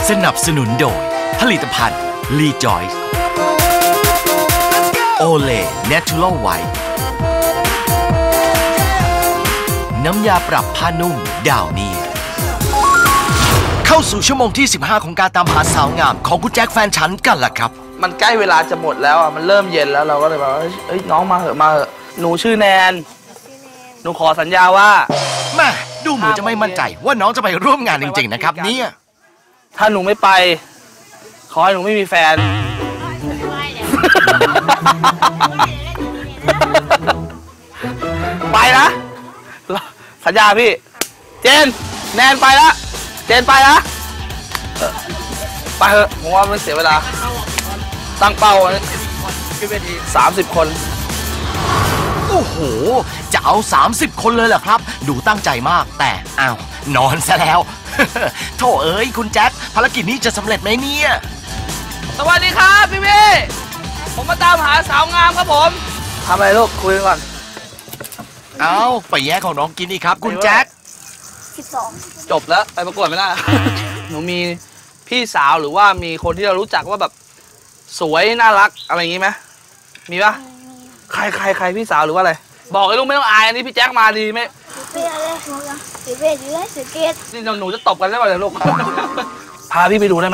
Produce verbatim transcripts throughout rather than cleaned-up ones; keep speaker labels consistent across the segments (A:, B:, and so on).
A: สนับสนุนโดยผลิตภัณฑ์ลีจอยส์โอเล่เนเชอรัลไวท์น้ำยาปรับผ้านุ่มดาวนี่เข้าสู่ชั่วโมงที่สิบห้าของการตามหาสาวงามของคุณแจ็คแฟนฉันกันล่ะครับ
B: มันใกล้เวลาจะหมดแล้วอ่ะมันเริ่มเย็นแล้วเราก็เลยบอกว่าเอ้ยน้องมาเหอะมาเหอะหนูชื่อแนนหนูขอสัญญาว่า
A: แม่ดูเหมือนจะไม่มั่นใจว่าน้องจะไปร่วมงานจริงๆนะครับเนี่ย
B: ถ้าหนูไม่ไปขอให้หนูไม่มีแฟนไปนะสัญญาพี่เจนแนนไปละเจนไปละไปเถอะผมว่าไม่เสียเวลาตั้งเป้าสามสิบคน
A: โอ้โหจะเอาสามสิบคนเลยเหรอครับดูตั้งใจมากแต่อ้าวนอนซะแล้วโธ่เอ้ยคุณแจ็คภารกิจนี้จะสำเร็จไหมเนี่ย
B: สวัสดีครับพี่พี่ผมมาตามหาสาวงามครับผมทำอะไรลูกคุยก่อน
A: เอาไปแย่ของน้องกินอีกครับคุณแจ็ค
C: สิบสอง
B: จบแล้วไปประกวดไม่ได้ หนูมีพี่สาวหรือว่ามีคนที่เรารู้จักว่าแบบสวยน่ารักอะไรอย่างงี้ไหมมีปะใครใครใครพี่สาวหรือว่าอะไรบอกไอ้ลูกไม่ต้องอายอันนี้พี่แจ็คมาดีไหม
C: เป้อะไรหนูยังเป้อยู่เลยสเก็ต
B: นี่หนูจะตบกันได้ป่ะเนี่ยลูก พาพี่ไปดูได้ไหม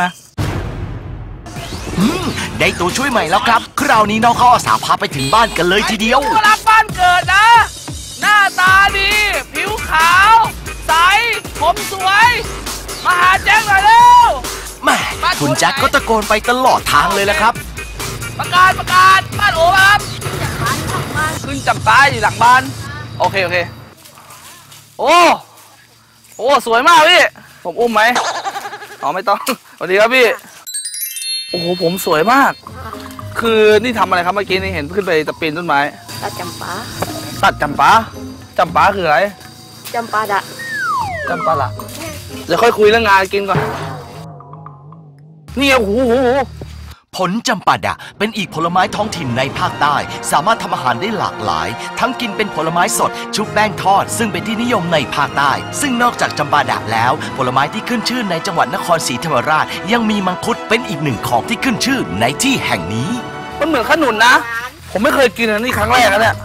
A: ได้ตัวช่วยใหม่แล้วครับคราวนี้น้องเขาอาสาพาไปถึงบ้านกันเลยทีเดียว
B: รักบ้านเกิดนะหน้าตาดีผิวขาวใสผมสวยมาหาแจ็คหน่อยเร็ว
A: แม่คุณแจ็คก็ตะโกนไปตลอดทางเลยแหละครับ
B: ประกาศประกาศบ้านโอ๋ครับขึ้นจำปาอยู่หลังบ้านโอเคโอเคโอ้โอ้สวยมากพี่ผมอุ้มไหมอ๋อไม่ต้องสวัสดีครับพี่โอ้โหผมสวยมากคือนี่ทำอะไรครับเมื่อกี้นี่เห็นขึ้นไปตะปีนต้นไม้
C: ตัดจำปา
B: ตัดจำปาจำปาคืออะไร
C: จำปาดะ
B: จำปาละเดี๋ยวค่อยคุยเรื่องงานกินก่อนนี่โอ้โห
A: ผลจำปาดะเป็นอีกผลไม้ท้องถิ่นในภาคใต้สามารถทำอาหารได้หลากหลายทั้งกินเป็นผลไม้สดชุบแป้งทอดซึ่งเป็นที่นิยมในภาคใต้ซึ่งนอกจากจำปาดะแล้วผลไม้ที่ขึ้นชื่อในจังหวัดนครศรีธรรมราชยังมีมังคุดเป็นอีกหนึ่งของที่ขึ้นชื่อในที่แห่งนี้
B: มันเหมือนขนุนนะผมไม่เคยกินอันนี้ครั้งแรกนะเนี่ย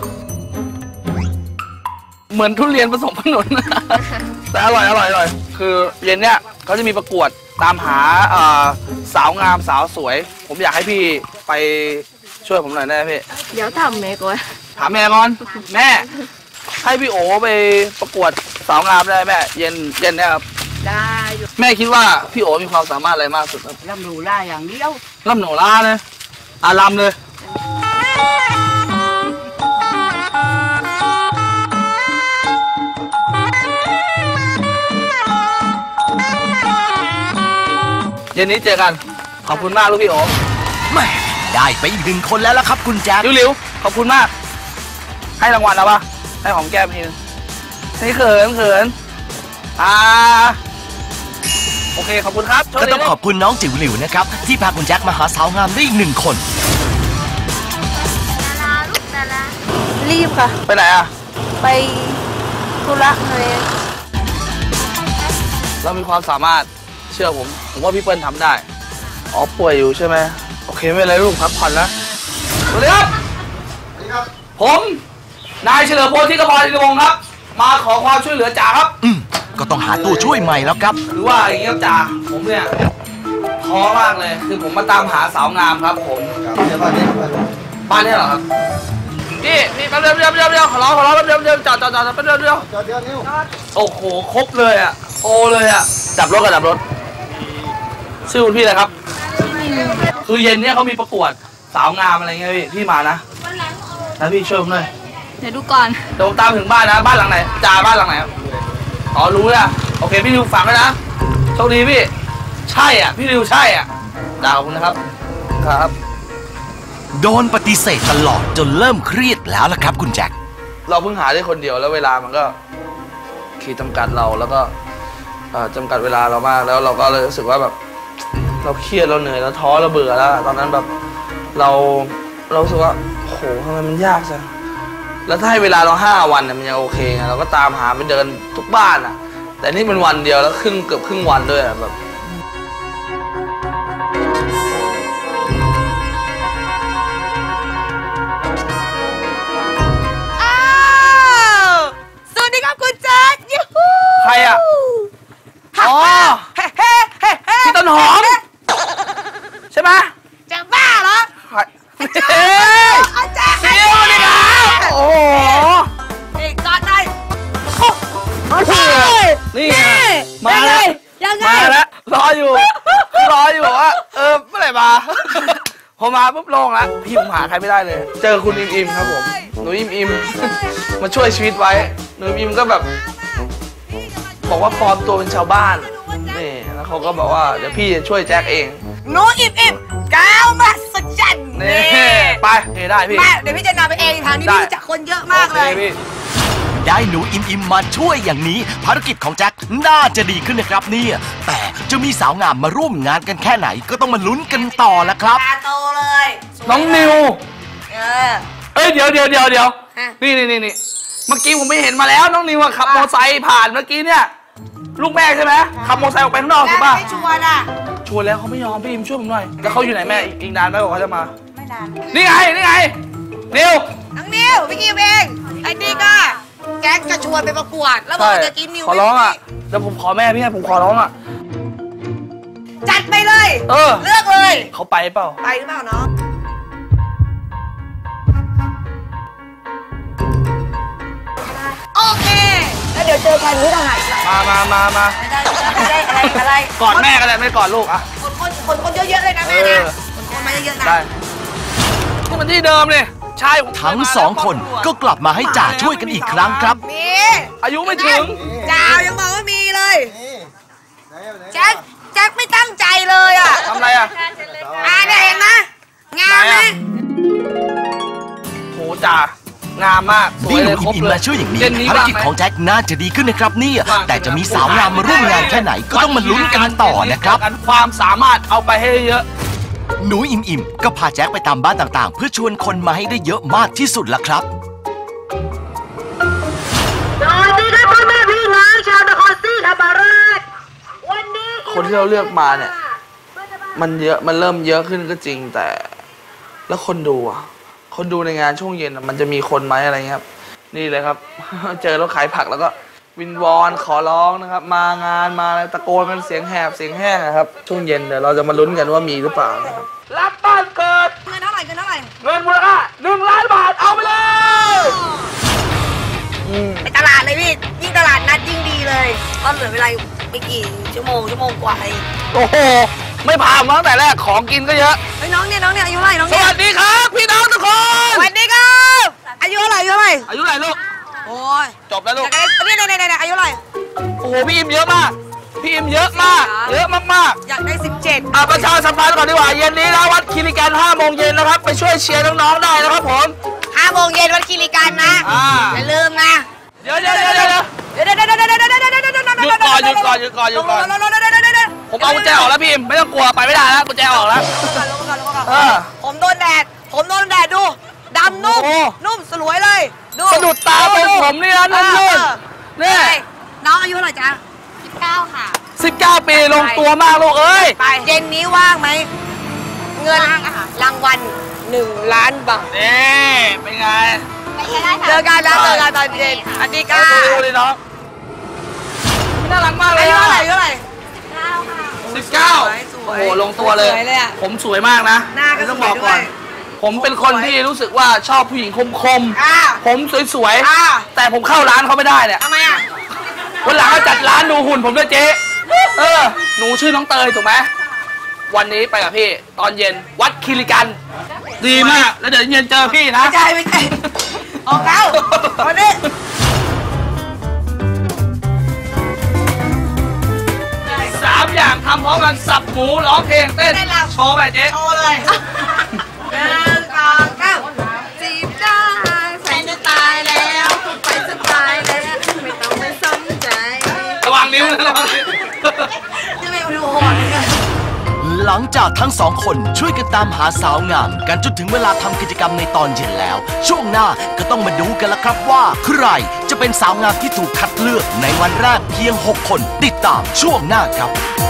B: เหมือนทุเรียนผสมขนุนแต่อร่อยอร่อยอร่อยคือเย็นเนี้ยเขาจะมีประกวดตามหาสาวงามสาวสวยผมอยากให้พี่ไปช่วยผมหน่อยได้ไหมพี่
C: เดี๋ยวถามแม่ก่อน
B: ถามแม่ก่อนแม่ให้พี่โอไปประกวดสาวงามได้แม่เย็นเย็นเนี่ยครับ
C: ได้
B: แม่คิดว่าพี่โอมีความสามารถอะไรมากสุดครับ
C: ลำหนูล่าอย่างเดียว
B: ลำหนูล่าเลยอาลำเลยเย็นนี้เจอกันขอบคุณมากลูกพี่โอ๋
A: แม่ได้ไปอีกหนึ่งคนแล้วล่ะครับคุณแจ็ค
B: ริ้วๆขอบคุณมากให้รางวัลแล้วปะให้ของแก้มทีนึงนี่เขินเขินอ่าโอเคขอบคุณครับ
A: ก็ต้องขอบคุณน้องจิ๋วหลิวนะครับที่พาคุณแจ็คมาหาสาวงามได้อีกหนึ่งคน
C: ดาราลูกดารารีบค่ะ
B: ไปไหนอ่ะ
C: ไปธุระเลย
B: เรามีความสามารถเชื่อผมผมว่าพี่เปิ้ลทำได้อ๋อป่วยอยู่ใช่ไหมโอเคไม่เป็นไรลูกพักผ่อนนะสวัสดีครับสวัสดีครับผมนายเฉลิมพลที่กระบอกอินทวงศ์ครับมาขอความช่วยเหลือจ่าครับ
A: อืมก็ต้องหาตัวช่วยใหม่แล้วครับ
B: คือว่าอย่างนี้ครับจ่าผมเนี่ยท้อมากเลยคือผมมาตามหาสาวงามครับผมบ้านนี้บ้านนี้เหรอครับพี่พี่แป๊บเดียวเดียวเดียวเดียวขอร้องขอร้องแป๊บเดียวเดียวจอดจอดจอดแป๊บเดียวเดียวจอดเดียวนิ้วโอ้โหครบเลยอ่ะโอเลยอ่ะดับรถกับดับรถชื่อคุณพี่อะไรครับคือเย็นเนี้ยเขามีประกวดสาวงามอะไรเงี้ยพี่พี่มานะแล้วพี่ช่วยผมหน่อย
C: เดี๋ยวดูก่อน
B: เดี๋ยวผมตามถึงบ้านนะบ้านหลังไหนจ่าบ้านหลังไหนอ๋อรู้แล้วโอเคพี่ดิวฝากไว้นะโชคดีพี่ใช่อ่ะพี่ดิวใช่อ่ะจ่าขอบคุณนะครับครับ
A: โดนปฏิเสธตลอดจนเริ่มเครียดแล้วล่ะครับคุณแจ็ค
B: เราเพิ่งหาได้คนเดียวแล้วเวลามันก็ขีดจำกัดเราแล้วก็จำกัดเวลาเรามากแล้วเราก็เลยรู้สึกว่าแบบเราเครียดเราเหนื่อยเราท้อเราเบื่อแล้วตอนนั้นแบบเราเรารู้สึกว่าโหทำไมมันยากจังแล้วถ้าให้เวลาเราห้าวันเนี่ยมันยังโอเคไงเราก็ตามหาไปเดินทุกบ้านอ่ะแต่นี่เป็นวันเดียวแล้วครึ่งเกือบครึ่งวันด้วยแบบมาแล้ว
C: ยังไง
B: มาแล้วรออยู่รออยู่ว่าเออเมื่อไหร่มาพอมาปุ๊บโล่งแล้วพี่ผมหาใครไม่ได้เลย เจอคุณอิมอิมครับผมหนูอิมอิมมาช่วยชีวิตไว้หนูอิมอิมก็แบบ บอกว่าปลอมตัวเป็นชาวบ้านนี่แล้วเขาก็บอกว่าเดี๋ยวพี่จะช่วยแจ็คเอง
C: หนูอิบอิบก้าวมาสัจจัน
B: นี่ไปเฮ้ได้พี่
C: มาเดี๋ยวพี่จะนำไปเองทางนี้พี่รู้จักคนเยอะมากเลย
B: โอคพี่
A: ได้หนูอิมอิมมาช่วยอย่างนี้ ภารกิจของแจ็คน่าจะดีขึ้นนะครับเนี่ยแต่จะมีสาวงามมาร่วมงานกันแค่ไหนก็ต้องมาลุ้นกันต่อละครับ
C: ตาโตเลย
B: น้องนิว
C: เออ
B: เอ้ยเดี๋ยวเดี๋ยวเดี๋ยวเดี๋ยว
C: ฮะ
B: นี่นี่นี่นี่เมื่อกี้ผมไม่เห็นมาแล้วน้องนิวขับมอเตอร์ไซค์ผ่านเมื่อกี้เนี่ยลูกแม่ใช่ไหมขับมอเตอร์ไซค์ออกไปข้างนอกถูกป่ะ
C: ไม่ชวนอ่ะ
B: ชวนแล้วเขาไม่ยอมพี่อิมช่วยผมหน่อยแล้วเขาอยู่ไหนแม่อีกอีกนานไหมบอกเขาจะมา
C: ไม่นาน
B: นี่ไงนี่ไงนิว
C: น้องนิวพี่กิมเองไอ้นี่ก็แก๊งจะชวนไปประกวดแล้วบอกว่าจะกินนิว
B: ขอร้องอ่ะเดี๋ยวผมขอแม่พี่ให้ผมขอร้องอ่ะ
C: จัดไปเลย
B: เออ
C: เลือกเลย
B: เขาไปเปล่า
C: ไปหรือเปล่าน้องโอเคแล้วเดี๋ยวเจอกันที่ทหาร
B: มามามามา
C: ไม่ได้ไม่ได้อะไรอะไร
B: กอดแม่ก็ได้ไม่กอดลูกอ่ะ
C: คนคนคนคนเยอะๆเลยนะแม่
B: เอ
C: นะ
B: อ
C: คนคนมาเยอะๆนะ
B: ได้นี่มันที่เดิมเลยใช่ผม
A: ทั้งสองคนก็กลับมาให้จ่าช่วยกันอีกครั้งครับ
C: มี
B: อายุไม่ถึง
C: จ้าวยังบอกว่ามีเลยแจ็คแจ็คไม่ตั้งใจเลยอ่ะ
B: ทำอะไรอ่ะ
C: อ่าเนี่ยเห็นไหมงามไหม
B: โหจ่างามมากสว
A: ที่
B: ย
A: ห
B: เล
A: นู
B: ยคร
A: อิ
B: บ
A: มอิม
B: เลย
A: มาช่วยอย่างนี้
B: เย็นนี้
A: ภาร
B: ว่าง
A: กิจ
B: ไหม
A: ของแจ็คน่าจะดีขึ้นนะครับเนี่ยแต่จะมีสาวงามมาร่วมงานแค่ไหนก็ต้องมาลุ้นกันต่อนะครับ
B: ความสามารถเอาไปให้เยอะ
A: หนูอิมอิมก็พาแจ็คไปตามบ้านต่างๆ เพื่อชวนคนมาให้ได้เยอะมากที่สุดล่ะครับ
C: สวัสดีครับพ่อแม่พี่น้องชาวนครศรีธรรมราชวันนี้
B: คนที่เราเลือกมาเนี่ย มันเยอะมันเริ่มเยอะขึ้นก็จริงแต่ แล้วคนดูอ่ะคนดูในงานช่วงเย็นอะมันจะมีคนไหมอะไรเงี้ยครับ นี่เลยครับ เจอรถขายผักแล้วก็วินวอนขอร้องนะครับ มางานมาอะไรตะโกนกันเสียงแหบเสียงแห้งนะครับ ช่วงเย็นเดี๋ยวเราจะมาลุ้นกันว่ามีหรือเปล่านะครับรับบ้านเกิด
C: เงินเท่าไหร่เงินเท่าไหร่
B: เงินมูลค่าหนึ่งล้านบาทเอาไปเลยอืม
C: ไปตลาดเลยพี่ยิ่งตลาดนัดยิ่งดีเลยก็เหลือเวลาไม่กี่ชั่วโมงชั่วโมงกว่าเอง
B: โอ้โหไม่ผ่านมาตั้งแต่แรกของกินก็เยอะ
C: เฮ้ยน้องเนี่ยน้องเนี่ยอายุเท่าไหร่น้อง
B: ส
C: เนี่ย
B: วัสดีครับ พี่น้องทุกคน
C: สวัสดีครับอายุเท่าไหร่อายุเท่าไหร่
B: อายุเท่าไหร่ลูก
C: โอ้ย
B: จบแล้ว
C: อ
B: ลูก
C: ยากได้เนี่ยเนี่ยเนี่ยอายุเท่าไหร่
B: โอ้โหพี่อิมเยอะมากพี่อิมเยอะมากเยอะมากๆ
C: อยากได้สิบเจ็ด
B: อ่ะประชาสัมพันธ์ก่อนดีกว่าเย็นนี้นะวัดคิริกันห้าโมงเย็นนะครับไปช่วยเชียร์น้องๆได้นะครับผม
C: ห้าโมงเย็นวันคีรีกันนะ
B: อ่า
C: อย่าลืมนะ
B: เดี๋ยวเดี๋ยวเดี๋ยวเดี๋ยว
C: เดี๋ยวเดี๋ยวเดี๋ยวเดี๋ยวเดี๋ยวเดี๋ยวเดี๋ยวเดี๋ยวเดี๋ยว
B: หยุดก่อนหยุดก่อนหยุดก่อนหยุดก่อนผมเอากุญแจออกแล้วพี่อิมไม่ต้องกลัวไปไม่ได้แล้วกุญแจออกแล้ว เออ
C: ผมโดนแดดผมโดนแดดดูดำนุ่ม
B: โอ้
C: นุ่มสลวยเลยดู
B: สะดุดตาตรงผมนี่นะนุ่นๆนี่
C: น้องอายุเท่าไหร่จ๊ะสิบเก้าค่ะ
B: สิบเก้าปีลงตัวมากลูกเอ้ย
C: ไปเย็นนี้ว่างไหมเงินรางวัลหนึ่งล้านบาท
B: นี่เป็นไง
C: เจอกันนะเจอกันตอนเย็นสวัสดีค่ะ
B: ดูดิน้องน่ารักมากเล
C: อาย ยุ
B: อะ
C: เท่าไหร่อายุเท่าไหร่
B: สิบเก้า
C: ส
B: โอ้
C: วย
B: โหลงตัวเลย
C: สวยเลยอะ
B: ผมสวยมากนะ
C: หน้าก็
B: ต้อง
C: สวย
B: บอกก่อน
C: ด้วย
B: ผมเป็นคนที่รู้สึกว่าชอบผู้หญิงคม
C: อ่า
B: ๆผมสวย
C: อ่า
B: ๆแต่ผมเข้าร้านเขาไม่ได้เนี่ย
C: ทำไมอ่ะ
B: วันหลังก็จัดร้านดูหุ่นผมด้วยเจ๊เออหนูชื่อน้องเตยถูกไหมวันนี้ไปกับพี่ตอนเย็นวัดคิริกัน ดีมากแล้วเดี๋ยวเย็นเจอพี่นะ
C: ไม่ใช่ไม่ใช่ออกแล้ววันนี้
B: สามอย่างทำพร้อมกันสับหมูร้องเพลงเต้นโชว์ไปเจ๊
C: โชว์เลยหนึ่งสองเก้าจีบได้แฟนจะตายแล้วไปจะตายแล้วไม่ต้องไปสนใจ
B: ระวังนิ้วนะระวังนิ้ว
C: จะไม่ดูโหดเลย
A: หลังจากทั้งสองคนช่วยกันตามหาสาวงามกันจนถึงเวลาทำกิจกรรมในตอนเย็นแล้ว ช่วงหน้าก็ต้องมาดูกันละครับว่าใครจะเป็นสาวงามที่ถูกคัดเลือกในวันแรกเพียงหกคนติดตามช่วงหน้าครับ